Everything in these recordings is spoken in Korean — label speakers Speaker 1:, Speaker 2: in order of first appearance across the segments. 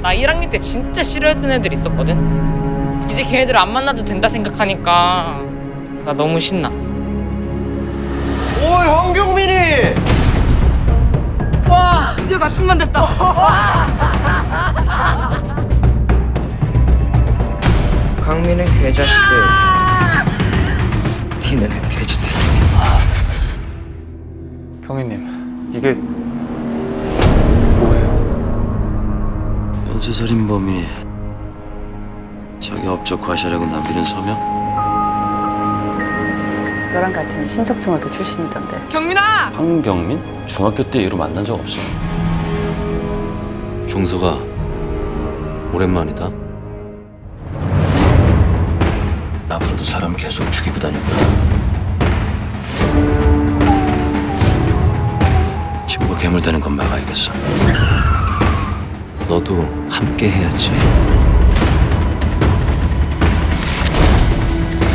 Speaker 1: 나 1학년 때 진짜 싫어했던 애들 있었거든. 이제 걔네들 안 만나도 된다 생각하니까 나 너무 신나.
Speaker 2: 오, 황경민이!
Speaker 1: 와, 드디어 같은 반 됐다. 강민은 개자식들, 티는 돼지새끼.
Speaker 2: 경희님, 이게 뭐예요?
Speaker 3: 연쇄살인범이 자기 업적 과시하려고 남기는 서명?
Speaker 4: 너랑 같은 신석중학교 출신이던데.
Speaker 1: 경민아!
Speaker 3: 황경민? 중학교 때 이후로 만난 적 없어.
Speaker 5: 종서가 오랜만이다.
Speaker 3: 앞으로도 사람 계속 죽이고 다닐 거야. 친구가 괴물되는 건 막아야겠어.
Speaker 5: 너도 함께 해야지.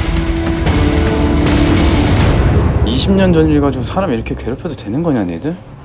Speaker 6: (20년) 전 일 가지고 사람 이렇게 괴롭혀도 되는 거냐, 니들?